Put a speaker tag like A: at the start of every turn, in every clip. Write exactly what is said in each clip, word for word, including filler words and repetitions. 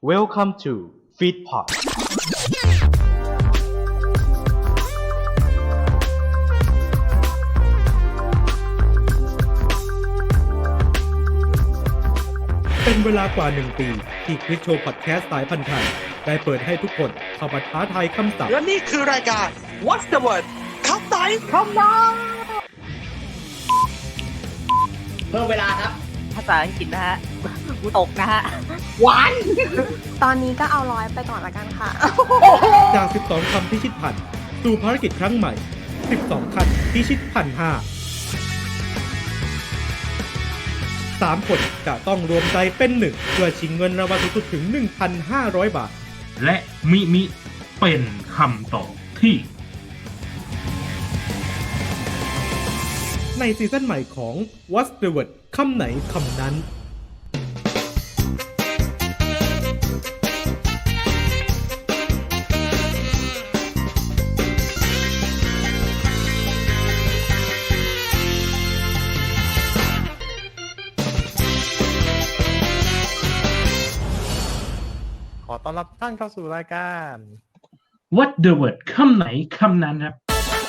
A: Welcome to Feedpot
B: เป็นเวลากว่าหนึ่งปีที่คลิกโชว์พอดแคสต์สายพันธุ์ไทยได้เปิดให้ทุกคนเข้ามาท้าทายคำศัพท์
C: และนี่คือรายการ What's the word คำไหนคำนั้น
D: เพิ่มเวลาครับ
E: ภาษาอังกฤษนะฮะกูตกนะฮะ
D: หวาน
F: ตอนนี้ก็เอาร้อยไปก่อนละกันค่ะ
B: จาก สิบสอง คำพิชิตพันสู่ภารกิจครั้งใหม่ สิบสอง คันพิชิตพันห้า สาม คนจะต้องรวมใจเป็นหนึ่งเพื่อชิงเงินรางวัลสูงสุดถึง หนึ่งพันห้าร้อย บาท
G: และมิมิเป็นคำตอบที่
B: ในซีซั่นใหม่ของ What's the word คำไหนคำนั้น
H: ขอต้อนรับท่านเข้าสู่รายการ
G: What the word คำไหนคำนั้นครับ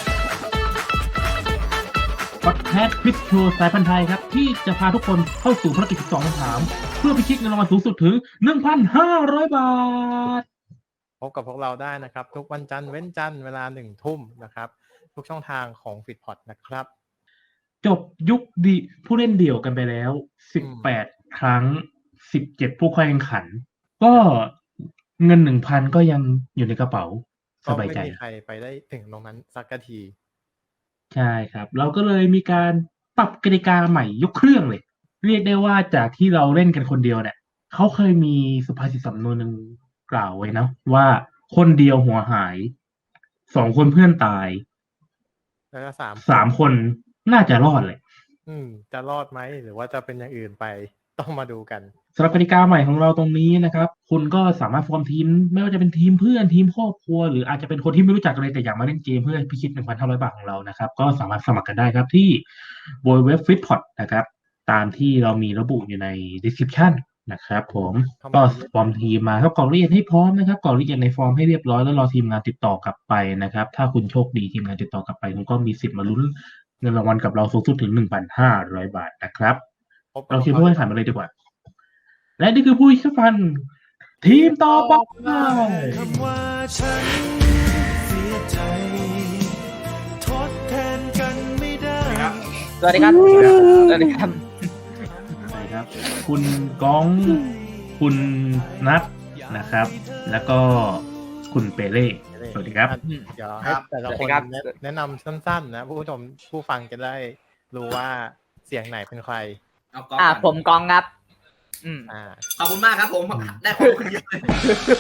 G: พอดแคสต์ควิสโชว์สายพันธุ์ไทยครับที่จะพาทุกคนเข้าสู่ภารกิจสิบสองคำถามเพื่อพิชิตเงินรางวัลสูงสุดถึง หนึ่งพันห้าร้อย บาท
H: พบกับพวกเราได้นะครับทุกวันจันทร์เว้นจันทร์เวลาหนึ่งทุ่มนะครับทุกช่องทางของ Feedpot นะครับ
G: จบยุคดีผู้เล่นเดี่ยวกันไปแล้วสิบแปดครั้งสิบเจ็ดผู้เข้าแข่งขันก็เงิน หนึ่งพัน ก็ยังอยู่ในกระเป๋าสบายใจ
H: ก็ไม่มีใครไปได้ถึงตรงนั้นสักที
G: ใช่ครับเราก็เลยมีการปรับกติกาใหม่ยกเครื่องเลยเรียกได้ว่าจากที่เราเล่นกันคนเดียวเนี่ยเขาเคยมีสุภาษิตสำนวนหนึ่งกล่าวไว้นะว่าคนเดียวหัวหายสองคนเพื่อนตาย
H: แล้วก็สาม
G: สามคนน่าจะรอดเลย
H: อืมจะรอดไหมหรือว่าจะเป็นอย่างอื่นไปต้องมาดูกัน
G: สำหรับกติกาใหม่ของเราตรงนี้นะครับคุณก็สามารถฟอร์มทีมไม่ว่าจะเป็นทีมเพื่อนทีมครอบครัวหรืออาจจะเป็นคนที่ไม่รู้จักกันเลยแต่อยากมาเล่นเกมเพื่อพิชิต หนึ่งพันห้าร้อย บาทของเรานะครับก็สามารถสมัครกันได้ครับที่บนเว็บ Feedpot นะครับตามที่เรามีระบุอยู่ใน description นะครับผมก็ฟอร์มทีมมาครับกรอกรายละเอียดให้พร้อมนะครับกรอกรายละเอียดในฟอร์มให้เรียบร้อยแล้วรอทีมงานติดต่อกลับไปนะครับถ้าคุณโชคดีทีมงานติดต่อกลับไปคุณก็มีสิทธิ์มาลุ้นเงินรางวัลกับเราสูงสุดถึง หนึ่งพันห้าร้อย บาทนะครับเราคิดว่าให้ผ่านมาเลยดีกว่าและนี่คือผู้เชี่ยวชาญทีมต่อไป
C: คำว่าฉันเสียใจทดแทนกันไม่ได้
E: สวัสดีครับสวัสดีครับ
G: สวัสดีครับคุณก้องคุณนัทนะครับ แล้วก็คุณเปเล่สวัสดีครับ
H: เดี๋ยวให้แต่ละคนแนะนำสั้นๆนะผู้ชมผู้ฟังจะได้รู้ว่าเสียงไหนเป็นใคร
E: เอากองอ่าผมกองครับ
D: อืมอ่าขอบคุณมากครับผมได้ความรู้เยอะเลย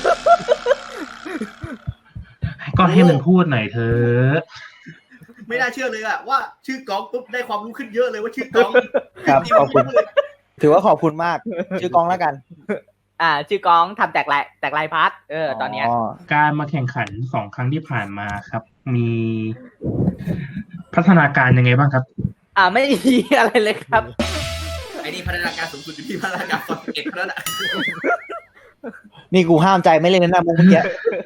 G: ก็ให้มันพูดหน่อยเถอะ
D: ไม่น่าเชื่อเลยอะว่าชื่อกองปุ๊บได้ความรู้ขึ้นเยอะเลยว่าชื่อกอง
I: ครับขอบคุณถือว่าขอบคุณมากชื่อกองแล้วกัน
E: อ่าชื่อกองทำแตกลายแตกลายพาร์ทเออตอนเนี้ย
G: การมาแข่งขันสองครั้งที่ผ่านมาครับมีพัฒนาการยังไงบ้างครับ
E: อ่าไม่มีอะไรเลยครับ
D: ไอ้นี่พัฒนาการสูงสุดอยู่ที่พัฒนาการตอนเอ็ดแล้วนะ
I: นี่กูห้ามใจไม่เล่นนะมุกเมื่อกี้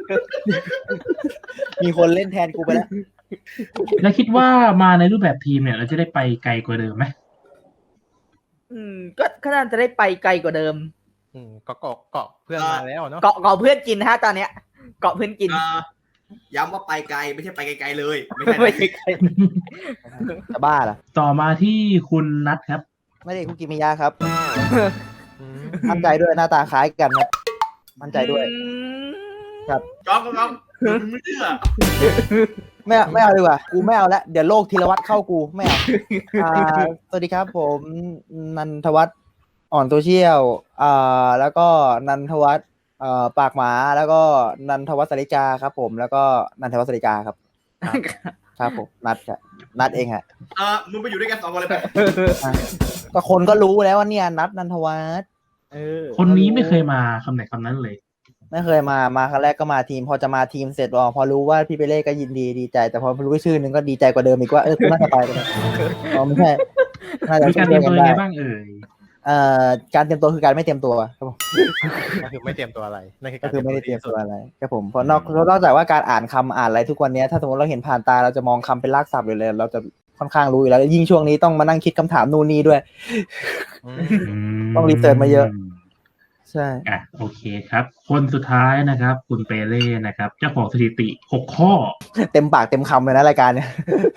I: มีคนเล่นแทนกูไปแล้ว
G: แล้วคิดว่ามาในรูปแบบทีมเนี่ยเราจะได้ไปไกลกว่าเดิมไหม
E: อืมก็ก็น่าจะได้ไปไกลกว่าเดิม
H: อืมก็เกาะเกาะเพื่อนมาแล้วเนาะ
E: เกาะเกาะเพื่อนกินฮะตอนเนี้ยเกาะเพื่อนกิน
D: ย้ำว่าไปไกลไม่ใช่ไปไกลๆเลยไม่
E: ใช่ไกล
I: จะบ้าเหรอ
G: ต่อมาที่คุณนัทครับ
I: ไม่ได้คุกิมิยะครับมั่นใจด้วยหน้าตาคล้ายกันครับมั่นใจด้วยครับ
D: จ้องจ้องไม่เชื่อ
I: ไม่ไม่เอาดีกว่ากูไม่เอาละเดี๋ยวโลกธีรวัตรเข้ากูไม่เอาสวัสดีครับผมนันทวัฒน์อ่อนโซเชียลอ่าแล้วก็นันทวัฒน์เอ่อปากหมาแล้วก็นันทวัฒน์สริกาครับผมแล้วก็นันทวัฒน์สริกาครับครับผมนัดครับนัดเองฮะ
D: เออมึงไปอยู่ด้วยกันสองคนเลยไป
I: ก็คนก็รู้แล้วว่าเนี่ยนัดนันทวัฒน์
G: เออคนนี้ไม่เคยมาคำไหนคำนั้นเลย
I: ไม่เคยมามาครั้งแรกก็มาทีมพอจะมาทีมเสร็จอ๋อพอรู้ว่าพี่เปเล่ก็ยินดีดีใจแต่พอรู้ชื่อนึงก็ดีใจกว่าเดิมอีกว่าเออคุณน่าจะไปกันอ๋อไม่ใช่
G: น่าจะมีการเตรียมตัวยังไงบ้างเอ่ย
I: เอ่อการเตรียมตัวคือการไม่เตรียมตัวครับผม
H: ก็คือไม่เตรียมตัวอะไรนั่นคือ
I: ก็
H: การ
I: คือไม่ได้เตรียมตัว
H: ที่สุ
I: อะไรครับผมเพราะนอกนอกจากว่าการอ่านคำอ่านอะไรทุกวันนี้ถ้าสมมติเราเห็นผ่านตาเราจะมองคำเป็นรากศัพท์อยู่เลยเราจะค่อนข้างรู้อยู่แล้วยิ่งช่วงนี้ต้องมานั่งคิดคำถามนู่นนี่ด้วย
H: อืม
I: ต้องรีเสิร์ชมาเยอะ ใช่
G: อ่ะโอเคครับ คนสุดท้ายนะครับ คุณเปเล่นะครับ เจ้าของสถิติหกข้อ
I: เต็มปากเต็มคำเลยนะรายการเนี่ย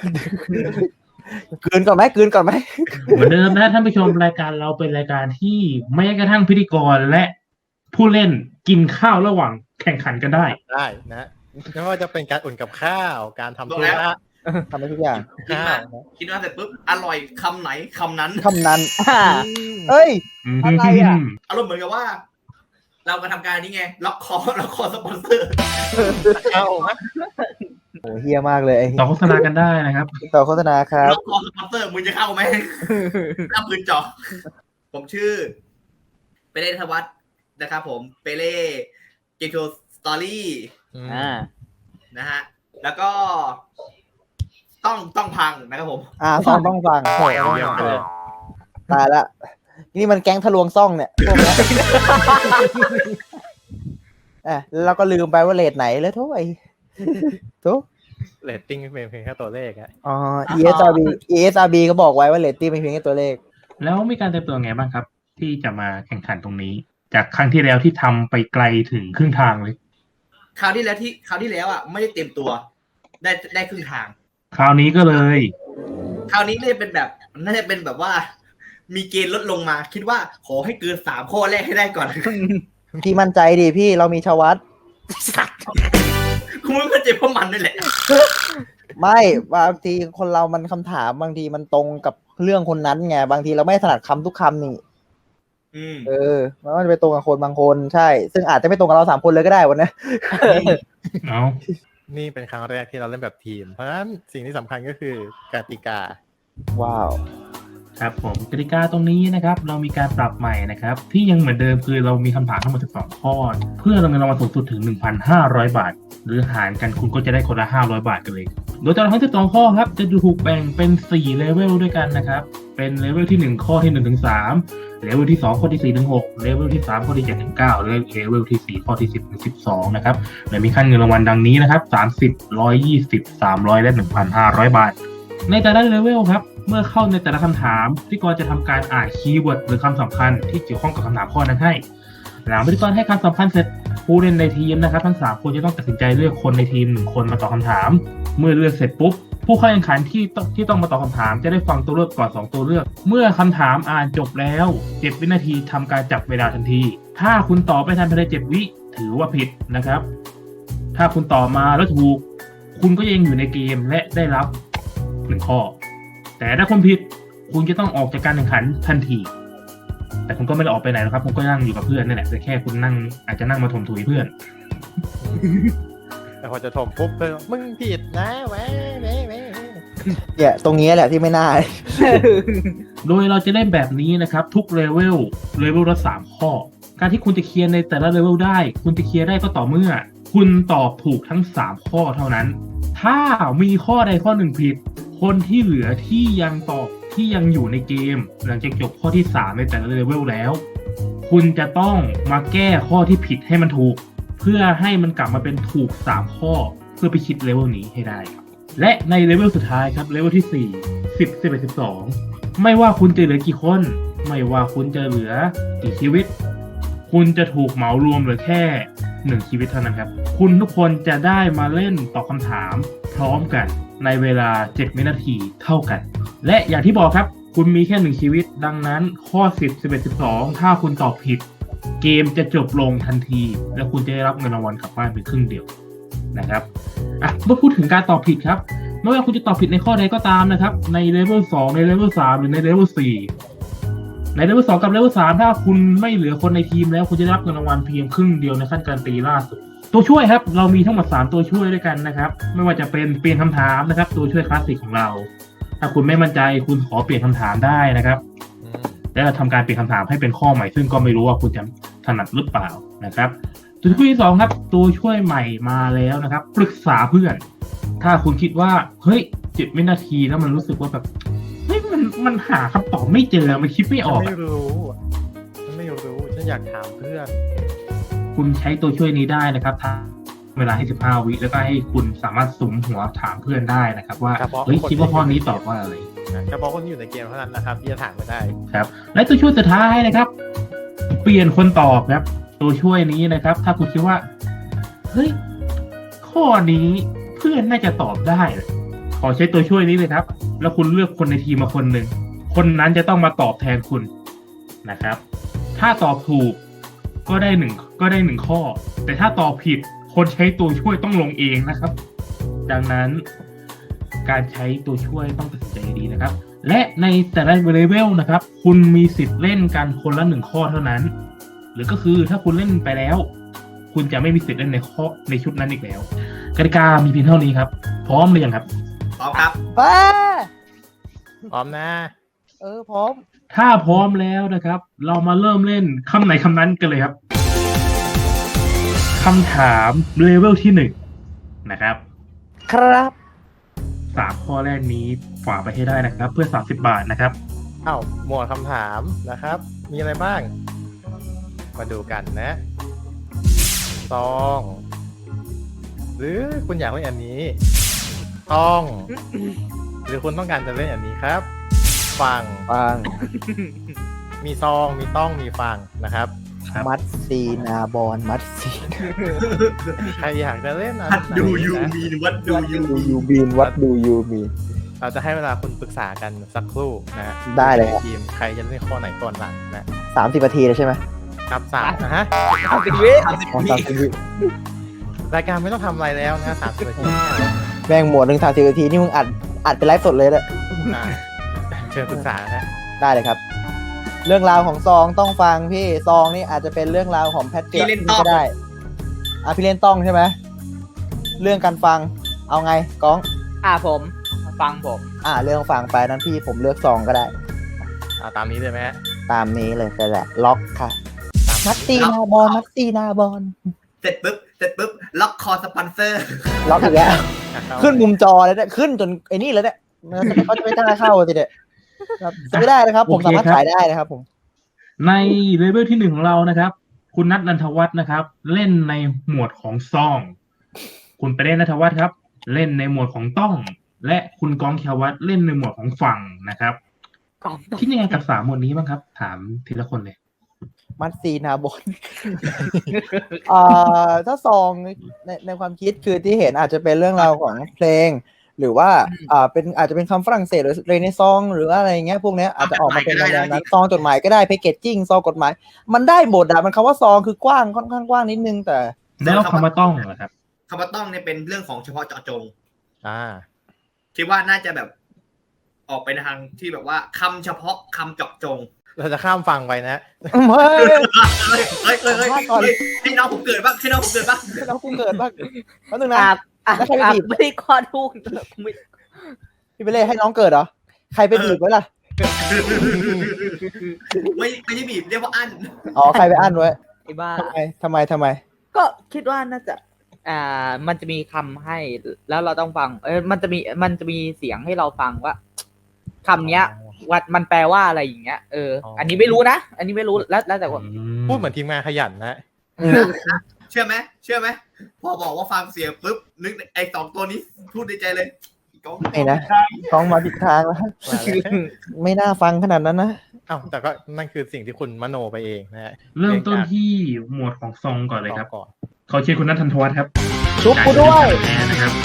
I: กลืนก่อนไหมกลืนก่อนไหม
G: เหมือนเดิมนะท่านผู้ชมรายการเราเป็นรายการที่แม้กระทั่งพิธีกรและผู้เล่นกินข้าวระหว่างแข่งขันกันได้
H: ได้นะไม่ว่าจะเป็นการอุ่นกับข้าว การทำธุระ
I: ทำได้ทุกอย่าง
D: คิด
H: ข้าว
D: มาคิดมาเสร็จปุ๊บอร่อยคำไหนคำนั้น
I: คำนั้น
E: อ่า
I: เอ้ย อะไรอ่ะ
D: อารมณ์เหมือนกับว่า เรามาทำการนี้ไงล็อกคอล็อกคอสปอนเซอร์
H: ข้าวนะ
I: โอ้เฮียมากเลยไอ้
G: ต่อโฆษณากันได้นะครับ
I: ต่อโฆษณาครับ
D: ล็อกคอสปอนเซอร์มึงจะเข้าไหมหน้าปืนจ่อผมชื่อเปเล่ธวัฒน์นะครับผมเปเล่เกมโชว์สตอรี่
E: อ่า
D: นะฮะแล้วก็ต้องต้องพังนะครับผม
I: อ่าซ่องต้องฟังโอ้ย
H: เยี่ยมเลย
I: ตายละ นี่มันแก๊งทะลวงซ่องเนี่ยพวกเนี้ยอ่ะแล้วเราก็ลืมไปว่าเลทไหนแล้วทุกไอ้ทุก
H: เรตติ้งเป็นเพียงแค่ตัวเลขอะ
I: อ๋อ อี เอส อาร์ บี อี เอส อาร์ บี ก็บอกไว้ว่าเลตติ้งเป็นเพียงแค่ตัวเลข
G: แล้วมีการเตรียมตัวไงบ้างครับ ที่จะมาแข่งขันตรงนี้ จากครั้งที่แล้วที่ทำไปไกลถึงครึ่งทางเลย
D: คราวที่แล้วที่คราวที่แล้วอ่ะไม่ได้เตรียมตัว ได้ได้ครึ่งทาง
G: คราวนี้ก็เลย
D: คราวนี้น่าจะเป็นแบบน่าจะเป็นแบบว่า มีเกณฑ์ลดลงมา คิดว่าขอให้เกินสามข้อแรกให้ได้ก่อน
I: พี่มั่นใจดิพี่เรามีชวัต
D: คุณไม่เข้าใจเพราะมันนี่แหละ
I: ไม่บางทีคนเรามันคำถามบางทีมันตรงกับเรื่องคนนั้นไงบางทีเราไม่ถนัดคำทุกคำนี่
D: อืม
I: เออมันก็จะไปตรงกับคนบางคนใช่ ซึ่งอาจจะไม่ตรงกับเราสามคนเลยก็ได้วันนี้
G: เอา
H: นี่เป็นครั้งแรกที่เราเล่นแบบทีม เพราะฉะนั้นสิ่งที่สำคัญก็คือกติกา
I: ว้าว
G: ครับผมกติกาตรงนี้นะครับ เรามีการปรับใหม่นะครับ ที่ยังเหมือนเดิมคือเรามีคำถามทั้งหมดสิบสองข้อ เพื่อรางวัลรางวัลสูงสุดถึง หนึ่งพันห้าร้อย บาท หรือหารกันคุณก็จะได้คนละห้าร้อยบาทกันเลย โดยตลอดทั้งสิบสองข้อครับจะถูกแบ่งเป็นสี่เลเวลด้วยกันนะครับเป็นเลเวลที่หนึ่งข้อที่หนึ่งถึงสามเลเวลที่สองข้อที่สี่ถึงหกเลเวลที่สามข้อที่เจ็ดถึงเก้าและเลเวลที่สี่ข้อที่สิบถึงสิบสองนะครับโดยมีขั้นเงินรางวัลดังนี้นะครับสามสิบ หนึ่งร้อยยี่สิบ สามร้อยและ หนึ่งพันห้าร้อย บาทในแต่ละเลเวลครับเมื่อเข้าในแต่ละคำถามพิธีกรจะทำการอ่านคีย์เวิร์ดหรือคำสำคัญที่เกี่ยวข้องกับคำถามข้อนั้นให้หลังพิธีกรให้คำสำคัญเสร็จผู้เล่นในทีมนะครับทั้งสามคนจะต้องตัดสินใจเลือกคนในทีมหนึ่งคนมาตอบคำถามเมื่อเลือกเสร็จปุ๊บผู้เข้าแข่งขันที่ต้องที่ต้องมาตอบคำถามจะได้ฟังตัวเลือกก่อนสองตัวเลือกเมื่อคำถามอ่านจบแล้วเจ็ดวินาทีทำการจับเวลาทันทีถ้าคุณตอบไม่ทันภายในเจ็ดวิถือว่าผิดนะครับถ้าคุณตอบมาแล้วถูกคุณก็ยังอยู่ในเกมและได้รับหนึ่งข้อแต่ถ้าคุณผิดคุณจะต้องออกจากการแข่งขันทันทีแต่คุณก็ไม่ได้ออกไปไหนหรอกครับคุณก็นั่งอยู่กับเพื่อนนั่นแหละแต่แค่คุณนั่งอาจจะนั่งมาถมถุยเพื่อน
H: แต่พอจะถมปุ๊บเลยมึงผิดนะแหวะแหวะแหวะ
I: เนี่ยตรงนี้แหละที่ไม่น่า
G: โดยเราจะเล่นแบบนี้นะครับทุกเลเวลเลเวลละสามข้อการที่คุณจะเคลียร์ในแต่ละเลเวลได้คุณจะเคลียร์ได้ก็ต่อเมื่อคุณตอบถูกทั้งสามข้อเท่านั้นถ้ามีข้อใดข้อหนึ่งผิดคนที่เหลือที่ยังตอบที่ยังอยู่ในเกมหลังจากจบข้อที่สามในแต่ละเลเวลแล้วคุณจะต้องมาแก้ข้อที่ผิดให้มันถูกเพื่อให้มันกลับมาเป็นถูกสามข้อเพื่อไปคิดเลเวลนี้ให้ได้ครับและในเลเวลสุดท้ายครับเลเวลที่สี่ สิบ สิบเอ็ด สิบสองไม่ว่าคุณจะเหลือกี่คนไม่ว่าคุณจะเหลือกี่ชีวิตคุณจะถูกเหมารวมเหลือแค่หนึ่งชีวิตเท่านั้นครับคุณทุกคนจะได้มาเล่นตอบคำถามพร้อมกันในเวลาเจ็ดวินาทีเท่ากันและอย่างที่บอกครับคุณมีแค่หนึ่งชีวิตดังนั้นข้อสิบ สิบเอ็ด สิบสองถ้าคุณตอบผิดเกมจะจบลงทันทีและคุณจะได้รับเงินรางวัลกลับบ้านไปครึ่งเดียวนะครับอ่ะเมื่อพูดถึงการตอบผิดครับไม่ว่าคุณจะตอบผิดในข้อใดก็ตามนะครับในเลเวลสองในเลเวลสามหรือในเลเวลสี่ในเลเวลสองกับเลเวลสามถ้าคุณไม่เหลือคนในทีมแล้วคุณจะได้รับเงินรางวัลเพียงครึ่งเดียวในขั้นการตีล่าสุดตัวช่วยครับเรามีทั้งหมดสามตัวช่วยด้วยกันนะครับไม่ว่าจะเป็นเปลี่ยนคำถามนะครับตัวช่วยคลาสสิกของเราถ้าคุณไม่มั่นใจคุณขอเปลี่ยนคำถามได้นะครับแล้วทำการเปลี่ยนคำถามให้เป็นข้อใหม่ซึ่งก็ไม่รู้ว่าคุณจะถนัดหรือเปล่านะครับตัวช่วยที่สองครับตัวช่วยใหม่มาแล้วนะครับปรึกษาเพื่อนถ้าคุณคิดว่าเฮ้ยเจ็ดวินาทีแล้วมันรู้สึกว่าแบบเฮ้ยมันมันหาคำตอบไม่เจอมันคิดไม่อ
H: ฉัน
G: อก
H: ไม่รู้อะฉันไม่รู้ฉันอยากถามเพื่อน
G: คุณใช้ตัวช่วยนี้ได้นะครับทางเวลาให้สิบห้าวิแล้วก็ให้คุณสามารถสุมหัวถามเพื่อนได้นะครับ ว่า
H: เฉพาะ
G: เฮ้ย
H: คน
G: คิดว่า
H: ที่
G: ข้อนี้
H: อยู่ใน
G: ตอบว่าอะไร
H: เฉพาะคนที่อยู่ในเกมเท่านั้นนะครับที่จะถามมาได้
G: ครับและตัวช่วยสุดท้ายนะครับ เปลี่ยนคนตอบครับ ตัวช่วยนี้นะครับ ถ้าคุณคิดว่าเฮ้ยข้อนี้เพื่อนน่าจะตอบได้ ขอใช้ตัวช่วยนี้เลยครับ แล้วคุณเลือกคนในทีมมาคนหนึ่งคนนั้นจะต้องมาตอบแทนคุณนะครับ ถ้าตอบถูกก็ได้หนึ่งก็ได้หนึ่งข้อ แต่ถ้าตอบผิดคนใช้ตัวช่วยต้องลงเองนะครับ ดังนั้นการใช้ตัวช่วยต้องตัดสินใจดีนะครับ และในแต่ละเลเวลนะครับ คุณมีสิทธิ์เล่นกันคนละหนึ่งข้อเท่านั้น หรือก็คือถ้าคุณเล่นไปแล้ว คุณจะไม่มีสิทธิ์เล่นในข้อในชุดนั้นอีกแล้วกติกามีเพียงเท่านี้ครับ พร้อมหรือยังครับ
D: พร้อมครับ
I: ไป
H: พร้อมนะ
I: เออพร้อม
G: ถ้าพร้อมแล้วนะครับ เรามาเริ่มเล่นคำไหนคำนั้นกันเลยครับคำถามเลเวลที่หนึ่งนะครับ
I: ครับ
G: สามข้อแรกนี้ฝ่าไปให้ได้นะครับ เพื่อสามสิบบาทนะครับ
H: เอ้าหมวดคำถามนะครับ มีอะไรบ้าง มาดูกันนะซอง หรือคุณอยากเล่นอันนี้ต้อง หรือคุณต้องการจะเล่นอันนี้ครับ ฟัง
I: ฟัง
H: มีซอง มีต้อง มีฟังนะครับ
G: ครับ
I: มัดซีนาบอลมัดซี
H: ใครอยากจะเล่นอัน
D: วัด
H: ไหน
D: ดูยู
H: นะ
D: มีนวัดดูยู
I: ดูยูบีนวัดดูยูบีน
H: เราจะให้เวลาคุณปรึกษากันสักครู่นะ
I: ได้เลยครับ
H: ทีมใครจะเล่นข้อไหนก่อนหลังนะ
I: สามสิบนาทีเลยใช่ไหม
H: ครับสามนะฮะ
E: เอาสิวิ
D: สามสิบ
I: อ๋อ
D: วิ
I: สามสิบวิ
H: รายการไม่ต้องทำอะไรแล้วนะสามสิบนาที
I: แบ่งหมวดหนึ่งสามสิบนาทีนี่มึงอัดอัดเป็นไลฟ์สดเลยเลย
H: อ่ะเชิญปรึกษานะ
I: ได้เลยครับ เรื่องราวของซองต้องฟังพี่ซองนี่อาจจะเป็นเรื่องราวของแพทเทิร์นก็ได้อ่ะพี่เล่นต้องใช่ไหมเรื่องการฟังเอาไงก้อง
E: อ่าผมฟังผม
I: อ่าเรื่องฟังไปนั้นพี่ผมเลือกซองก็ได้
H: เอาตามนี้เลยไหมฮะ
I: ตามนี้เลยก็แหละล็อกค่ะ
H: ตาม
I: มัดตีนาบอลมัดตีนาบอล
D: เสร็จปุ๊บเสร็จปุ๊บล็อกคอสปอนเซอร์
I: ล็อกอีกแล้ว
H: อ่ะเข้า
I: ขึ้นมุมจอเลยเนี่ยขึ้นจนไอ้นี่เลยเนี่ยเขาจะไม่กล้าเข้าสิเด็ดครับจะไม่ได้นะครับ ผม
G: โอเค
I: สามารถ
G: ครับ
I: ขายได้นะครับผม
G: ในเลเวลที่หนึ่งของเรานะครับ คุณนัทนันทวัฒน์นะครับ เล่นในหมวดของซอง คุณไปเล่นนัทวัฒน์ครับ เล่นในหมวดของต้อง และคุณกองเขียววัฒน์เล่นในหมวดของฝั่งนะครับ
E: กล่องต้อง
G: คิดยังไงกับสามหมวดนี้บ้างครับ ถามทีละคนเลย
I: มัดซีนาบอล อ่าถ้าซองในในความคิดคือที่เห็นอาจจะเป็นเรื่องราวของเพลง หรือว่าอ่าเป็นอาจจะเป็นคำฝรั่งเศสหรือเรเนซองหรืออะไรเงี้ยพวกเนี้ยอาจจะออกมาเป็นแนวนั้นซองจดหมายก็ได้แพคเกจจิ้งซองกฎหมาย มันได้หมดอะมันคำว่าซองคือกว้างค่อนข้างกว้างนิดนึงแต่
G: แล้วคำว่าต้องเหรอครับ
D: คำว่าต้องเนี่ยเป็นเรื่องของเฉพาะเจาะจง
H: อ่า
D: คิดว่าน่าจะแบบออกไปในทางที่แบบว่าคำเฉพาะคำเจาะจง
H: เราจะข้ามฟังไปนะ
I: เฮ้ย
D: เฮ้ยเฮ้ยเฮ้ยเฮ้ยเฮ้ยให้น้องผมเกิดบ้างให้น้องผมเกิดบ้าง
I: เรากูเกิดบ้างแป๊บนึงนะ
E: อ่าอ่า
I: แล้วใครไป
E: อ่า
I: บีบ
E: ไม่ได้ข้อทูกไม่
I: พี่ไปเล่ให้น้องเกิดเหรอใครไปบีบไว้ล่ะ
D: ไม่ไม่ใช่บีบเรียกว่าอั้น
I: อ๋อใครไปอั้นไว้
E: ไอ้บ้า
I: ทำไมทำไมทำไม
E: ก็คิดว่าน่าจะ อ่า มันจะมีคำให้ แล้วเราต้องฟัง เออมันจะมี มันจะมีเสียงให้เราฟังว่าคำเนี้ยว่ามันแปลว่าอะไรอย่างเงี้ย เออ อันนี้ไม่รู้นะ อันนี้ไม่รู้ แล้วแล้วแต่คน
H: พูดเหมือนทีมงานขยันนะ
D: เชื่อไหมเชื่อไหมพอบอกว่าฟังเสียงปุ๊บนึกไอ้สองตัวนี้พูดในใจเลยก้อง
I: ไม่นะท้องมาผิดทางแล้ว
H: มาแล้ว
I: ไม่น่าฟังขนาดนั้นนะ
H: เอ้าแต่ก็นั่นคือสิ่งที่คุณมโนไปเองนะฮะ
G: เริ่มต้นที่หมวดของซองก่อนเลยครับ
H: ก่อน
G: ขอเชิญคุณนัทนันทวัฒน์ครับ
I: ชุบกูด้วย
G: แน่นะครับ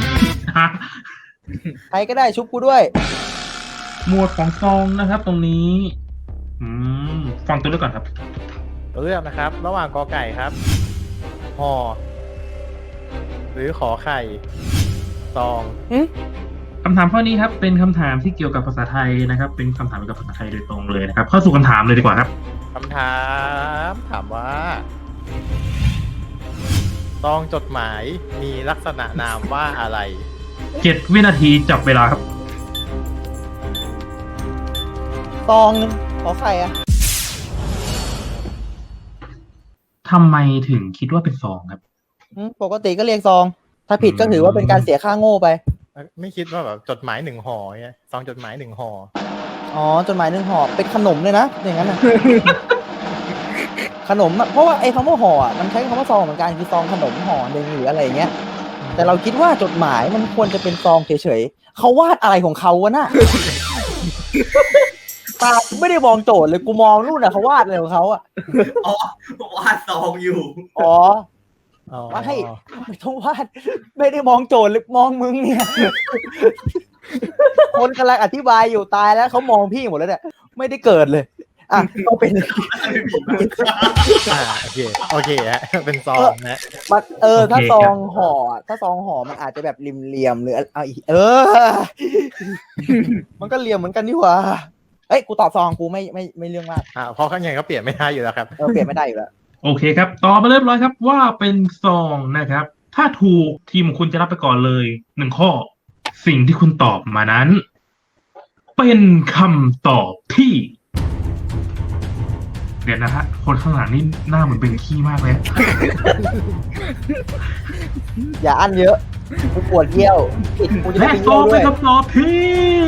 I: ใครก็ได้ชุบกูด้วย
G: หมวดของซองนะครับ ตรงนี้ อืมฟังตัวเลือกก่อนครับ
H: เลือกนะครับ ระหว่างกอไก่ครับห่อหรือขอไข่ซอง
G: คำถามข้อนี้ครับ เป็นคำถามที่เกี่ยวกับภาษาไทยนะครับ เป็นคำถามเกี่ยวกับภาษาไทยโดยตรงเลยนะครับ เข้าสู่คำถามเลยดีกว่าครับ
H: คำถามถามว่าซองจดหมายมีลักษณะนามว่าอะไร
G: เจ็ดวินาทีจับเวลาครับ
I: ตองนึงขอไข่อะ
G: ทำไมถึงคิดว่าเป็นซองครับ
I: อืมปกติก็เรียกซอง ถ้าผิดก็ถือว่าเป็นการเสียค่าโง่ไป
H: ไม่คิดว่าแบบจดหมายหนึ่งห่อเนี่ยซองจดหมายหนึ่งห่อ
I: อ๋อจดหมายหนึ่งห่อเป็นขนมเลยนะอย่างนั้นนะ ขนมอะเพราะว่าไอ้คำว่าห่ออะมันใช้คำว่าซองเหมือนกันคือซองขนมห่อหนึ่งหรืออะไรอย่างเงี้ย แต่เราคิดว่าจดหมายมันควรจะเป็นซองเฉยๆเขาวาดอะไรของเขาวะน่ะ ตาไม่ได้มองโจทย์เลยกูมองนู่นน่ะเขาวาดอะไรของเขาอ่ะ
D: อ๋อวาดซองอยู่
I: อ๋อ
H: อ๋อ
I: ว่าให้ไม่ต้องวาดไม่ได้มองโจทย์เลยมองมึงเนี่ย คนกำลังอธิบายอยู่ตายแล้วเขามองพี่หมดแล้วเนี่ยไม่ได้เกิดเลย อ่ะก็เป็น
H: อ่าโอเคโอเคฮะเป็นซองนะ
I: มันเออ
G: โอเค
I: ถ้าซอง
G: ครับ
I: ห่อถ้าซองห่อมันอาจจะแบบริมเหลี่ยมหรือเอาอีกเออ มันก็เหลี่ยมเหมือนกันนี่หว่าเอ้ยกูตอบซองกูไม่ไม่ไม่เรื่องมาก
H: อ่าเพราะข้างในก็เปลี่ยนไม่ได้อยู่แล้วครับ
I: เออเปลี่ยนไม่ได้อยู่แล้ว
G: โอเคครับตอบมาเรียบร้อยครับว่าเป็นซองนะครับ ถ้าถูกทีมของคุณจะรับไปก่อนเลยหนึ่งข้อ สิ่งที่คุณตอบมานั้น เป็นคำตอบที่ เดี๋ยวนะฮะคนข้างหลังนี่หน้าเหมือนเป็นขี้มากเลย
I: อย่าอั้นเยอะกูปวดเยี่ยวผิดกูจะได้
G: และ
I: ไป
G: ตอ
I: เยี่ย
G: บ
I: วด้วย
G: เป็นคำตอบที่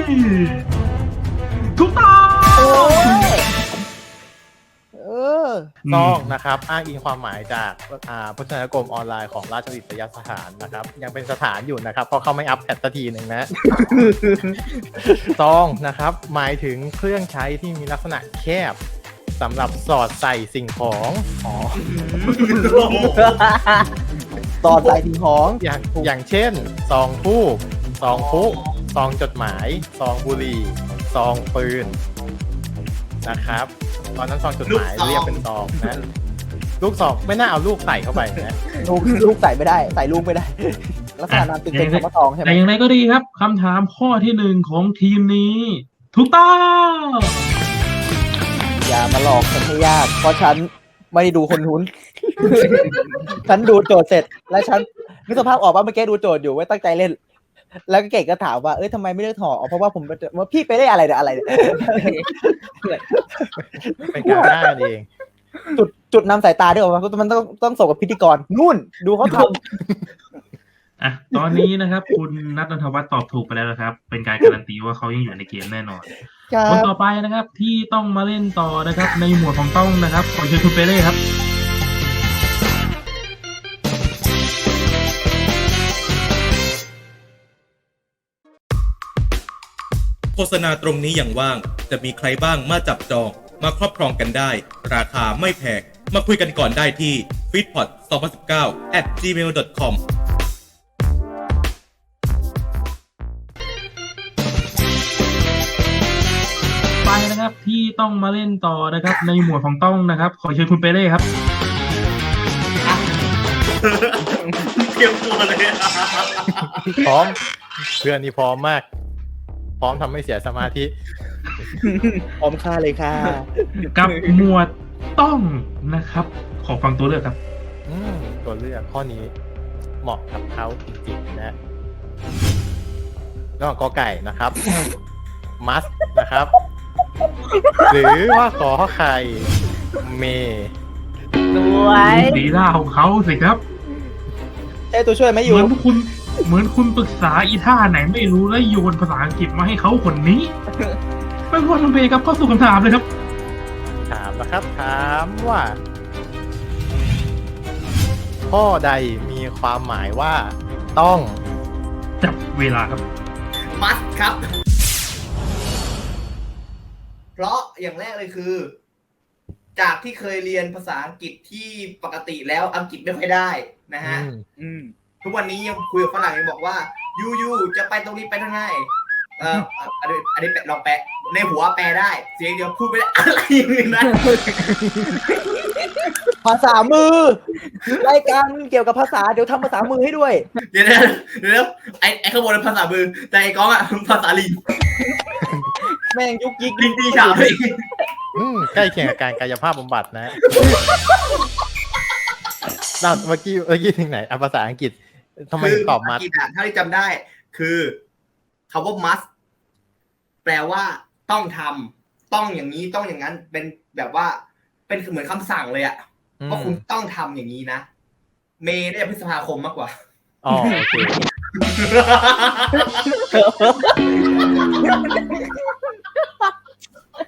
G: ถูกต้อง
I: โอ้ยเออ
H: ซองนะครับอ้างอิงความหมายจากอ่าพจนานุกรมออนไลน์ของราชวิทยาสถานนะครับยังเป็นสถานอยู่นะครับเพราะเขาไม่อัปเดตสักทีหนึ่งนะ ซองนะครับหมายถึงเครื่องใช้ที่มีลักษณะแคบสำหรับสอดใส่สิ่งของอ๋อ
I: ตอนใส่ทิ้งของ
H: อย่างอย่างเช่นซองทูบซองพุซองจดหมายซองบุหรี่ซองปืนนะครับตอนนั้นซองจดหมายเรียกเป็นซองนะลูกซองไม่น่าเอาลูกใส่เข้าไปนะ
I: ลูกลูกใส่ไม่ได้ ใส่ลูกไม่ได้ ลักษณะนั้นตึงเป็นคำว่าตองใช่ไหม
G: แต่อย่างไรก็ดีครับคำถามข้อที่หนึ่งของทีมนี้ ถูกต้อง
I: อย่ามาหลอกฉันให้ยาก เพราะฉันไม่ได้ดูคนทุน ฉันดูโจทย์เสร็จ แล้วฉันนึกสภาพออกว่าเมื่อกี้ดูโจทย์อยู่ไว้ตั้งใจเล่น แล้วก็เก่งก็ถามว่าเอ้ยทำไมไม่เลือกถออ๋อเพราะว่าผมว่าพี่ไปได้อะไรเนี่ยอะไรเนี่ย
H: เป็นการได้กันเอง
I: จุดจุดนำสายตาด้วยว่ามันต้องต้องส่งกับพิธีกรนู่น ดูเขาท
G: อ่ะตอนนี้นะครับ คุณนัทนนทวัฒน์ตอบถูกไปแล้วนะครับ เป็นการการันตีว่าเขายังอยู่ในเกมแน่นอน
I: ำครั
G: คน
I: บ
G: ต่อไปนะครับ ที่ต้องมาเล่นต่อนะครับ ในหมวดของต้องนะครับขอเชิญคุณเปเล่ครับ
B: โฆษณาตรงนี้อย่างว่างจะมีใครบ้างมาจับจองมาครอบครองกันได้ ราคาไม่แพงมาคุยกันก่อนได้ที่ ฟีดพอด สองพันสิบเก้า แอท จีเมล ดอท คอม
G: ไปนะครับที่ต้องมาเล่นต่อนะครับ ในหมวดของต้องนะครับ ขอเชิญคุณเปเล่ครับ
D: เตรียมตัวเลยอะ
H: พร้อมเพื่อนนี่พร้อมมาก พร้อมทำให้เสียสมาธิ
I: พร้อมค่าเลยค่ะ
G: กับหมวดต้องนะครับ ขอฟังตัวเลือกครับ
H: อืมตัวเลือกข้อนี้เหมาะกับเขาจริงๆนะระหว่างกอไก่นะครับ มัสนะครับ หรือว่าขอไข่เม
E: สวย
G: ดีล่าของเขาสิครับ
I: ใช่ตัวช่วยไหมอ
G: เห
I: ยู่
G: มือนคุณ เหมือนคุณปรึกษาอีท่าไหนไม่รู้แล้วโยนภาษาอังกฤษมาให้เขาคนนี้ ไม่พอทำเพครับเข้าสู่คำถามเลยครับ
H: ถามนะครับ ถามว่า ข้อใดมีความหมายว่าต้อง
G: จับเวลาครับ
D: มัสครับ เพราะอย่างแรกเลยคือ จากที่เคยเรียนภาษาอังกฤษที่ปกติแล้วอังกฤษไม่ค่อยได้นะฮะ
H: อืม
E: อืม
D: ทุกวันนี้ยังคุยกับฝรั่งยังบอกว่ายูยูจะไปตรงนี้ไปทางไหนเอออันนี้อันนี้ลองแปลในหัวแปลได้ เสียงเดียวพูดไม่ได้อะไรอย่างนี้นะ
I: ภาษามือ รายการเกี่ยวกับภาษาเดี๋ยวทำภาษามือให้ด้วย
D: เดี๋ยวนะเดี๋ยวไอ้ไอ้ข้างบนเป็นภาษามือแต่ไอ้ก้องอ่ะภาษาลิง
I: แม่งยุกยิก
D: ลิงตีฉาบเลย
H: อืมใกล้เคียงกับการกายภาพบำบัดนะเราเมื่อกี้เมื่อกี้ถึงไหนอ่ะภาษาอังกฤษทำไมถึงตอบมัด
D: ภาษาอังกฤษอะถ้าที่จำได้ คือคำว่า must แปลว่าต้องทำต้องอย่างนี้ต้องอย่างนั้นเป็นแบบว่า เป็นเหมือนคำสั่งเลยอะว่าคุณต้องทำอย่างนี้นะ เมย์ได้พฤษภาคมมากกว่า
H: อ๋อโอเค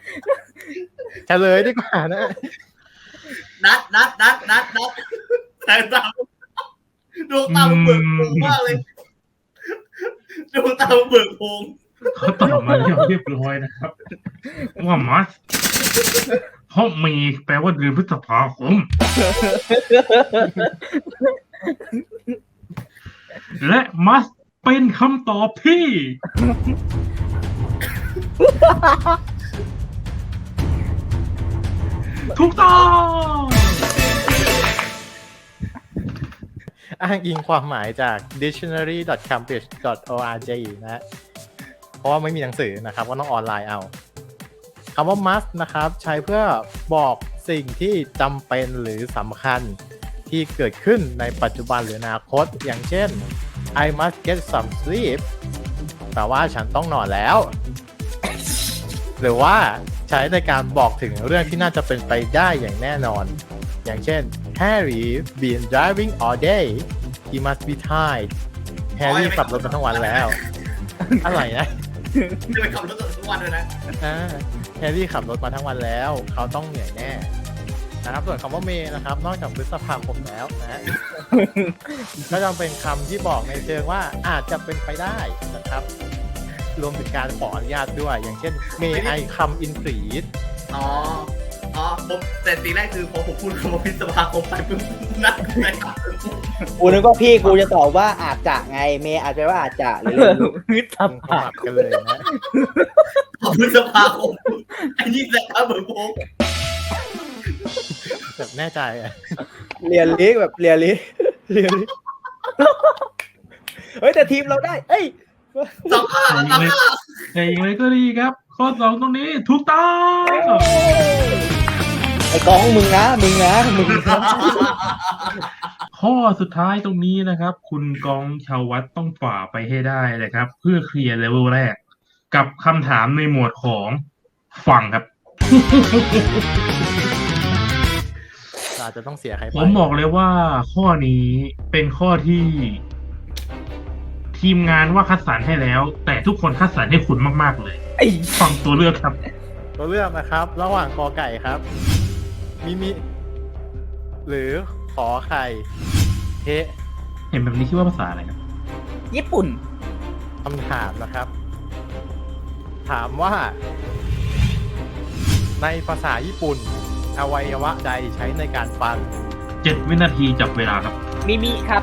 H: เฉลยดีกว่านะ
D: นัดนัดนัดนัดนัดแต่ตาดวงตาเบิกโพรงมากเลยดวงตาเบิกโพรง
G: เขาตอบมาเรียบเรียบร้อยนะครับ ว่ามัสเพราะมีแปลว่าเดือนพฤษภาคม และมัสเป็นคำตอบที่ ถูกต้อง
H: อ้างอิงความหมายจาก dictionary dot cambridge dot org นะฮะเพราะว่าไม่มีหนังสือนะครับก็ต้องออนไลน์เอาคำว่า must นะครับใช้เพื่อบอกสิ่งที่จำเป็นหรือสำคัญที่เกิดขึ้นในปัจจุบันหรืออนาคตอย่างเช่น I must get some sleep แปลว่าฉันต้องนอนแล้ว หรือว่าใช้ในการบอกถึงเรื่องที่น่าจะเป็นไปได้อย่างแน่นอนอย่างเช่น Harry been driving all day he must be tired Harry ขับรถมาทั้งวันแล้ว อะไรนะ
D: จะไปขับรถทุกวันเลยนะ
H: อ่า Harry ขับรถมาทั้งวันแล้วเขาต้องเหนื่อยแน่นะครับส่วนคำว่าเมย์นะครับนอกจากพฤษภาคมแล้วนะฮะ ก็จะเป็นคำที่บอกในเชิงว่าอาจจะเป็นไปได้นะครับรวมถึงการขออนุญาตด้วยอย่างเช่น May I come in please
D: อ๋ออ๋อผมแต่ทีแรกคือพอผมพูดคำว่าพฤษภาคมไปปุ๊บนัดไปครับ
I: กูนึกว่าพี่กูจะตอบว่าอาจจะไงเมย์อาจจะว่าอาจจะหรือ
E: มิตร
H: สมั
E: ภาพ
H: ครกันเลยนะ
D: พฤษภาคมไอ้นี่แหละครับเบิกโพรง
H: แบบแน่ใจอ่ะ
I: เรียนลิกแบบเรียนลิกเรียนลิกเฮ้ยแต่ทีมเราได้เอ้ย
D: สองห้าสองห้า
G: แต่อย่างไรก็ดีครับ ข้อสองตรงนี้ถูกต้อง
I: ไอ้กองมึงนะมึงนะมึงนะ
G: ข้อสุดท้ายตรงนี้นะครับ คุณกองชาววัดต้องฝ่าไปให้ได้เลยครับ เพื่อเคลียร์เลเวลแรก กับคำถามในหมวดของฝั่งครับ
H: อาจจะต้องเสียใครไป
G: ผมบอกเลยว่าข้อนี้เป็นข้อที่ ทีมงานว่าคัดสรรให้แล้ว แต่ทุกคนคัดสรรให้คุณมากๆเลย
E: ไอ้
G: ฟังตัวเลือกครับ
H: ตัวเลือกนะครับ ระหว่างกอไก่ครับ มิมิ หรือขอไข่เทะ
G: เห็นแบบนี้คิดว่าภาษาอะไรครับ
E: ญี่ปุ่น
H: คำถามนะครับ ถามว่า ในภาษาญี่ปุ่นอวัยวะใดใช้ในการฟัง
G: เจ็ดวินาทีจับเวลาครับ
E: มิมิครับ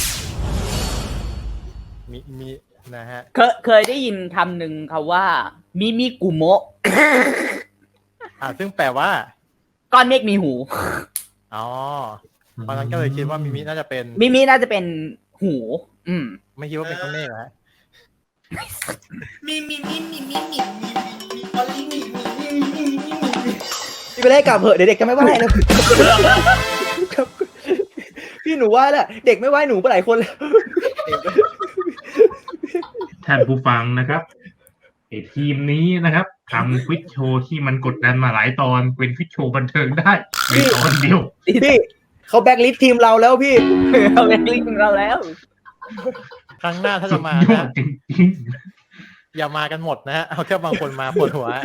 H: มิมินะฮะ
E: เคยเคยได้ยินคำหนึ่งคำว่า มิมิกุโมะ
H: อ่าซึ่งแปลว่า
E: ก้อนเมฆมีหู
H: อ๋อเพราะฉะนั้นก็เลยคิดว่ามิมิน่าจะเป็น
E: มิมิน่าจะเป็นหู อืม
H: ไม่คิดว่าเป็นก้อนเมฆนะฮะ
D: มีมีมีมีมีมีมีมีออลลี่มีมีมีมีมีมี
I: พี่ไปเล่นกลับเหอะเดี๋ยวเด็กจะไม่ไหวแล้วครับพี่หนูไหวแล้วเด็กไม่ไหวหนูไปหลายคนแล้ว
G: ท่านผู้ฟังนะครับไอทีมนี้นะครับทำควิดโชว์ที่มันกดดันมาหลายตอนเป็นควิดโชว์บันเทิงได้ในตอนเดียว
I: พี่เขาแบ็กลิสต์ทีมเราแล้วพี่
E: เขาเป็นลิงก์เราแล้ว
H: ครั้งหน้าถ้า
G: สุ
H: จะ
G: ด
H: มาย
G: อ
H: นะ
G: ดจริง
H: อย่ามากันหมดนะฮะ เอาแค่บางคนมาปวดหัว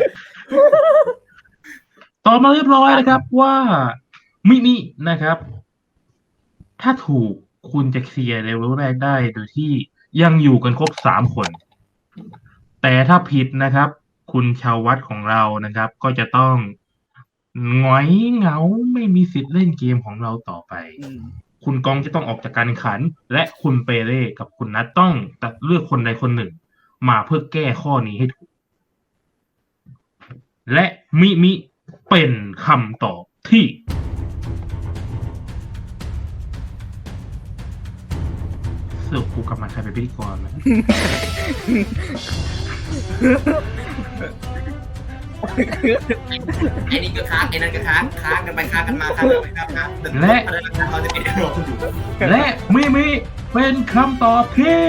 G: ๆต่อมาเรียบร้อยนะครับว่ามินินะครับ ถ้าถูกคุณจะเคลียร์เลเวลแรกได้โดยที่ยังอยู่กันครบสามคน แต่ถ้าผิดนะครับ คุณชาววัดของเรานะครับ ก็จะต้องหงอยเหงาไม่มีสิทธิ์เล่นเกมของเราต่อไป คุณกองจะต้องออกจากการแข่งขัน และคุณเปเร่กับคุณนัทต้องตัดเลือกคนใดคนหนึ่ง มาเพื่อแก้ข้อนี้ให้ถูก และมิมิเป็นคำตอบที่เสือกกูกลับมาใครเป็นพิธีกรไหม
D: ไอ้นี่ก็ค้างไอ้นั่นก็ค้างค้างกันไปค้างกันมาค้างกันไปค้างกันมา
G: และ
D: เราจะเป็นรออยู่
G: และมิมิเป็นคำตอบที่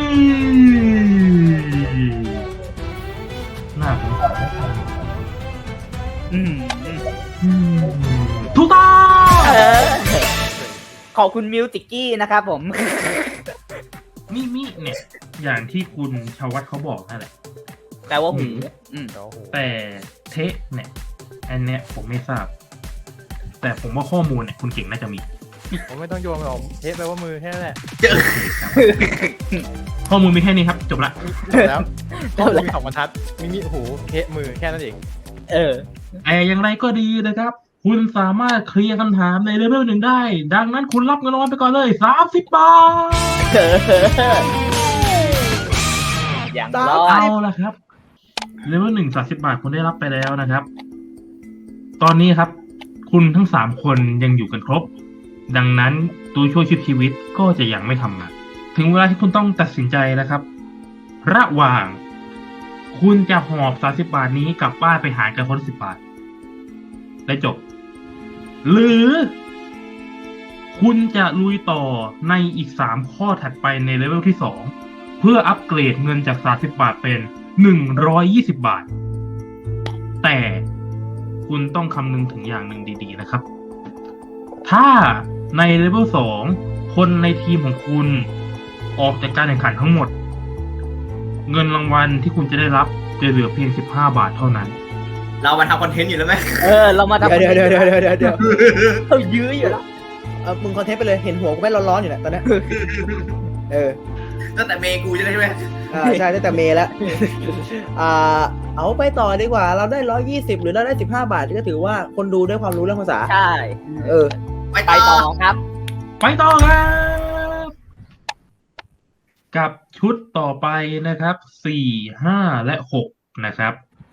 G: น่าสงสาร
E: อืม
G: อืมถูกต้อง
E: เออ ขอบคุณมิวติกกี้นะครับผม
G: มิมิเนี่ย อย่างที่คุณชาววัดเขาบอกนั่นแหละ
E: แปลว่าหูอืม
H: โอ้โห
G: แต่เทะเนี่ย อันเนี้ยผมไม่ทราบ แต่ผมว่าข้อมูลเนี่ยคุณเก่งน่าจะมี
H: ผมไม่ต้องโยนหรอกเทปแปลว่ามือแค่นั้นแหละ
G: ข้อมูลมีแค่นี้ครับ จบละ
H: จบแล้วก็มีสองบรรทัดมีมีหูเทปมือแค่นั้นเอง
E: เออ
G: แต่อย่างไรก็ดีนะครับ คุณสามารถเคลียร์คำถามในเลเวลหนึ่งได้ ดังนั้นคุณรับเงินรางวัลไปก่อนเลยสามสิบบาท
E: อย่าง
I: ตาม
E: ร้อ
G: เอา
E: ย
G: ละครับเลเวลหนึ่งสามสิบบาทคุณได้รับไปแล้วนะครับ ตอนนี้ครับ คุณทั้งสามคนยังอยู่กันครบ ดังนั้นตัวช่วยชีวิตก็จะยังไม่ทำงานถึงเวลาที่คุณต้องตัดสินใจแล้วครับ ระหว่าง คุณจะหอบสามสิบบาทนี้กลับบ้านไปหารกันคนละสิบบาทและจบ หรือ คุณจะลุยต่อในอีกสามข้อถัดไปในเลเวลที่สองเพื่ออัปเกรดเงินจากสามสิบบาทเป็นหนึ่งร้อยยี่สิบบาท แต่คุณต้องคำนึงถึงอย่างหนึ่งดีๆนะครับ ถ้าในเลเวลสองคนในทีมของคุณออกจากการแข่งขันทั้งหมด เงินรางวัลที่คุณจะได้รับจะเหลือเพียงสิบห้าบาทเท่านั้น
D: เรามาทำคอนเทนต์อยู่แล้วไหม
E: เออ เรามาทำ
I: เดี๋ยวเดี๋ยวเดี๋ยวเดี๋ยวเดี๋ยวเดี๋ยว
E: เขายื้ออยู่แล้ว
I: เออมึงคอนเทนต์ไปเลย เห็นหัวกูไม่ร้อนๆอยู่เนี่ยตอนเนี้ยเออ
D: ตั้งแต่เมย์กูจะได้ใช่ไหม
I: อ่าใช่ตั้งแต่เมย์แล้ว อ่า เอาไปต่อดีกว่า เราได้ร้อยยี่สิบหรือเราได้สิบห้าบาทก็ถือว่าคนดูด้วยความรู้เรื่องภาษา
E: ใช่
I: เออ
D: ไป
E: ไป
D: ต่
E: ต่
D: อ
E: อครับ
G: ไปต่อครับกับชุดต่อไปนะครับสี่ห้าและหกนะครับ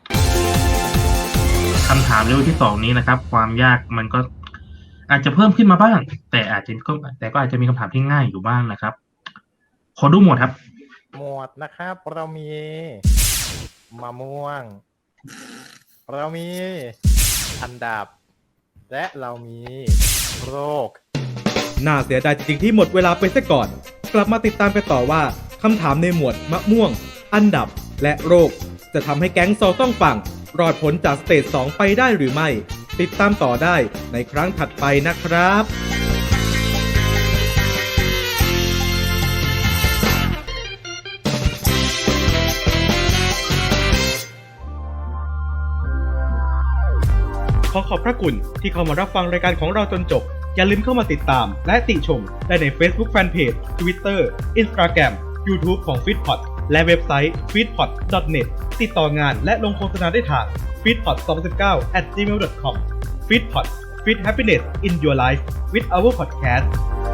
G: คำถามเลเวลที่สองนี้นะครับ ความยากมันก็อาจจะเพิ่มขึ้นมาบ้าง แต่อาจจะก็แต่ก็อาจจะมีคำถามที่ง่ายอยู่บ้างนะครับ ขอดูหมวดครับ
H: หมวดนะครับ เรามีมะม่วง เรามีอันดับ และเรามีโรค
B: น่าเสียดายจริงๆที่หมดเวลาไปซะก่อน กลับมาติดตามกันต่อว่าคำถามในหมวดมะม่วง อันดับและโรค จะทำให้แก๊งโซต้องฟังรอดพ้นจากสเตจสองไปได้หรือไม่ ติดตามต่อได้ในครั้งถัดไปนะครับ ขอขอบพระคุณที่เข้ามารับฟังรายการของเราจนจบ อย่าลืมเข้ามาติดตามและติชมได้ใน Facebook Fanpage Twitter Instagram YouTube ของ Feedpot และเว็บไซต์ ฟีดพอด ดอท เน็ต ติดต่องานและลงโฆษณาได้ทาง ฟีดพอด สองพันสิบเก้า แอท จีเมล ดอท คอม Feedpot Feed Happiness in Your Life with our podcast